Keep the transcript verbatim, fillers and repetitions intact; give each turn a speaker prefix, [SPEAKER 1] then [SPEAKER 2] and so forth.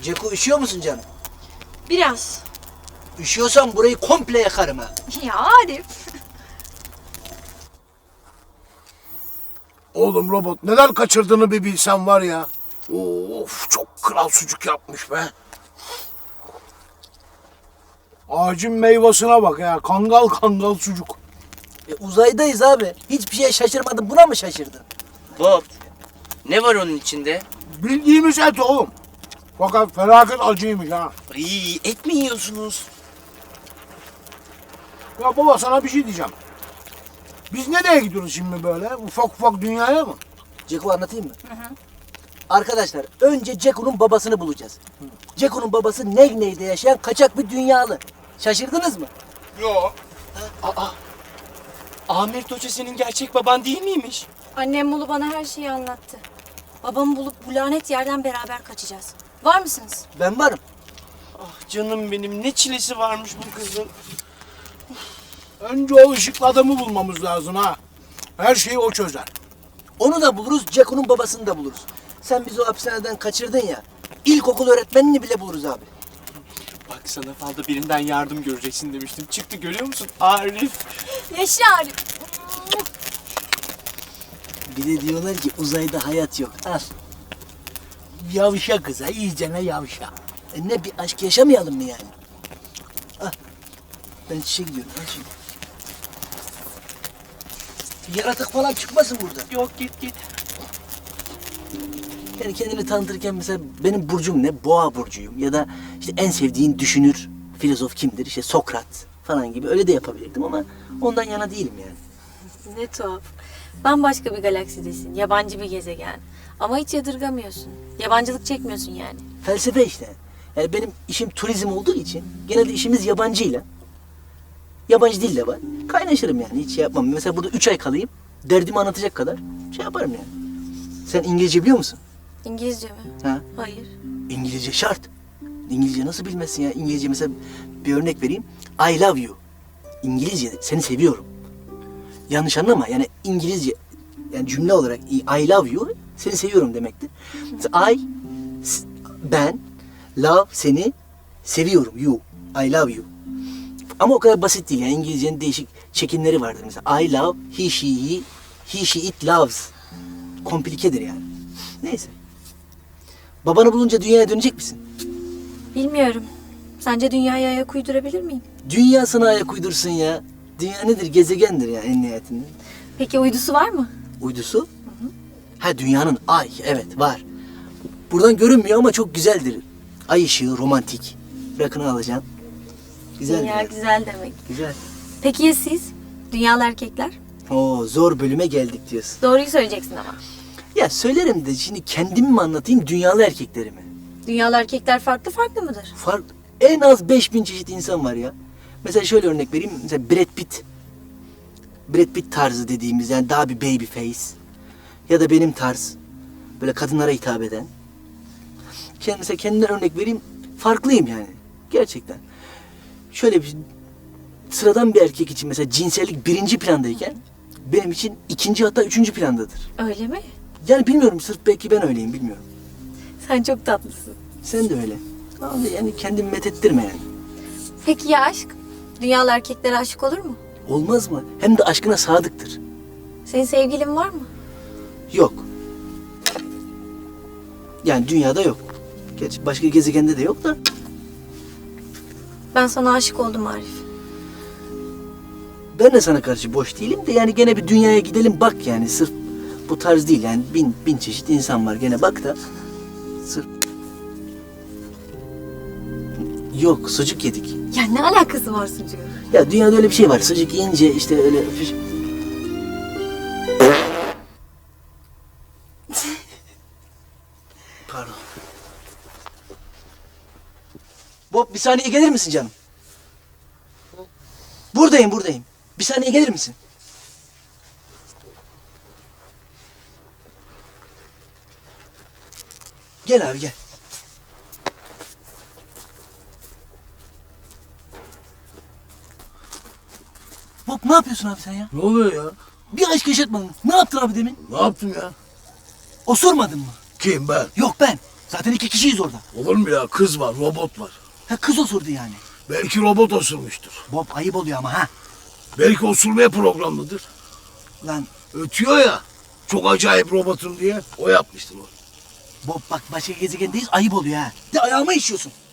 [SPEAKER 1] Ceko üşüyor musun canım?
[SPEAKER 2] Biraz.
[SPEAKER 1] Üşüyorsan burayı komple yakarım ha.
[SPEAKER 2] Ya Arif.
[SPEAKER 3] Oğlum robot neler kaçırdığını bir bilsen var ya. Of çok kral sucuk yapmış be. Ağacın meyvasına bak ya. Kangal kangal sucuk.
[SPEAKER 1] E, uzaydayız abi. Hiçbir şeye şaşırmadın. Buna mı şaşırdın?
[SPEAKER 4] Bob, ne var onun içinde?
[SPEAKER 3] Bildiğimiz et oğlum. Fakat felaket acıymış ha.
[SPEAKER 4] İyi, et mi yiyorsunuz?
[SPEAKER 3] Ya baba sana bir şey diyeceğim. Biz nereye gidiyoruz şimdi böyle? Ufak ufak dünyaya mı?
[SPEAKER 1] Ceko anlatayım mı? Hı hı. Arkadaşlar önce Ceko'nun babasını bulacağız. Ceko'nun babası Negney'de yaşayan kaçak bir dünyalı. Şaşırdınız mı?
[SPEAKER 4] Yok. Aa, Amir Hoca senin gerçek baban değil miymiş?
[SPEAKER 2] Annem Mulu bana her şeyi anlattı. Babamı bulup bu lanet yerden beraber kaçacağız. Var mısınız?
[SPEAKER 1] Ben varım.
[SPEAKER 4] Ah canım benim, ne çilesi varmış bu kızın.
[SPEAKER 3] Önce o ışıklı adamı bulmamız lazım ha. Her şeyi o çözer.
[SPEAKER 1] Onu da buluruz, Ceko'nun babasını da buluruz. Sen bizi o hapishaneden kaçırdın ya. İlkokul öğretmenini bile buluruz abi.
[SPEAKER 4] Bak sana falda birinden yardım göreceksin demiştim. Çıktı, görüyor musun? Arif.
[SPEAKER 2] Yaşa Arif.
[SPEAKER 1] Bir de diyorlar ki uzayda hayat yok. Al.
[SPEAKER 3] Yavşa kıza, iyicene yavşa.
[SPEAKER 1] E ne bir aşk yaşamayalım mı yani? Al. Ben çişe gidiyorum. Al şimdi. Bir yaratık falan çıkmasın burada.
[SPEAKER 4] Yok, git git.
[SPEAKER 1] Yani kendini tanıtırken mesela benim burcum ne? Boğa burcuyum. Ya da işte en sevdiğin düşünür, filozof kimdir? İşte Sokrat falan gibi öyle de yapabilirdim ama ondan yana değilim yani.
[SPEAKER 2] Ne tuhaf. Bambaşka bir galaksidesin. Yabancı bir gezegen. Ama hiç yadırgamıyorsun. Yabancılık çekmiyorsun yani.
[SPEAKER 1] Felsefe işte. Yani benim işim turizm olduğu için genelde işimiz yabancıyla. Yabancı dil de var. Kaynaşırım yani hiç şey yapmam. Mesela burada üç ay kalayım. Derdimi anlatacak kadar şey yaparım yani. Sen İngilizce biliyor musun?
[SPEAKER 2] İngilizce mi?
[SPEAKER 1] Ha?
[SPEAKER 2] Hayır.
[SPEAKER 1] İngilizce şart. İngilizce nasıl bilmezsin ya? İngilizce mesela bir örnek vereyim. I love you. İngilizce seni seviyorum. Yanlış anlama yani İngilizce yani cümle olarak I love you seni seviyorum demektir. Mesela I ben love seni seviyorum you. I love you. Ama o kadar basit değil yani İngilizcenin değişik çekimleri vardır mesela. I love he she he he she it loves. Komplikedir yani. Neyse. Babanı bulunca dünyaya dönecek misin?
[SPEAKER 2] Bilmiyorum. Sence dünyaya ayak uydurabilir miyim?
[SPEAKER 1] Dünya sana ayak uydursun ya. Dünya nedir? Gezegendir ya en nihayetinde.
[SPEAKER 2] Peki uydusu var mı?
[SPEAKER 1] Uydusu? Hı hı. Ha dünyanın ay evet var. Buradan görünmüyor ama çok güzeldir. Ay ışığı romantik. Rakını alacaksın. Güzel.
[SPEAKER 2] Dünya
[SPEAKER 1] yani.
[SPEAKER 2] güzel demek.
[SPEAKER 1] Güzel.
[SPEAKER 2] Peki ya siz? Dünyalı erkekler?
[SPEAKER 1] Oo zor bölüme geldik diyorsun.
[SPEAKER 2] Doğruyu söyleyeceksin ama.
[SPEAKER 1] Ya söylerim de şimdi kendimi mi anlatayım dünyalı erkekleri mi?
[SPEAKER 2] Dünyalı erkekler farklı farklı mıdır?
[SPEAKER 1] Fark, en az beş bin çeşit insan var ya. Mesela şöyle örnek vereyim. Mesela Brad Pitt. Brad Pitt tarzı dediğimiz yani daha bir baby face. Ya da benim tarz. Böyle kadınlara hitap eden. Kendi, mesela kendimden örnek vereyim. Farklıyım yani. Gerçekten. Şöyle bir sıradan bir erkek için mesela cinsellik birinci plandayken benim için ikinci hatta üçüncü plandadır.
[SPEAKER 2] Öyle mi?
[SPEAKER 1] Yani bilmiyorum sırf belki ben öyleyim bilmiyorum.
[SPEAKER 2] Sen çok tatlısın.
[SPEAKER 1] Sen de öyle. Ama yani kendimi methettirme yani.
[SPEAKER 2] Peki ya aşk? Dünyalı erkeklere aşık olur mu?
[SPEAKER 1] Olmaz mı? Hem de aşkına sadıktır.
[SPEAKER 2] Senin sevgilin var mı?
[SPEAKER 1] Yok. Yani dünyada yok. Gerçi başka gezegende de yok da.
[SPEAKER 2] Ben sana aşık oldum Arif.
[SPEAKER 1] Ben de sana karşı boş değilim de yani gene bir dünyaya gidelim bak yani sırf bu tarz değil yani bin bin çeşit insan var gene bak da sırf yok sucuk yedik.
[SPEAKER 2] Ya ne alakası var sucuğun?
[SPEAKER 1] Ya dünyada öyle bir şey var sucuk yiyince işte öyle öpüş... Pardon. Bob bir saniye gelir misin canım? Buradayım buradayım. Bir saniye gelir misin? Gel abi gel. Bob ne yapıyorsun abi sen ya?
[SPEAKER 3] Ne oluyor ya?
[SPEAKER 1] Bir aşk yaşatmadın. Ne yaptın abi demin?
[SPEAKER 3] Ne yaptım ya?
[SPEAKER 1] Osurmadın mı?
[SPEAKER 3] Kim ben?
[SPEAKER 1] Yok ben. Zaten iki kişiyiz orada.
[SPEAKER 3] Olur mu ya? Kız var, robot var.
[SPEAKER 1] Ha kız osurdu yani.
[SPEAKER 3] Belki robot osurmuştur.
[SPEAKER 1] Bob ayıp oluyor ama ha.
[SPEAKER 3] Belki osurmaya programlıdır.
[SPEAKER 1] Lan
[SPEAKER 3] Ötüyor ya. Çok acayip robotum diye. O yapmıştır o.
[SPEAKER 1] Bob bak başka gezegendeyiz ayıp oluyor ha. De ayağıma işiyorsun.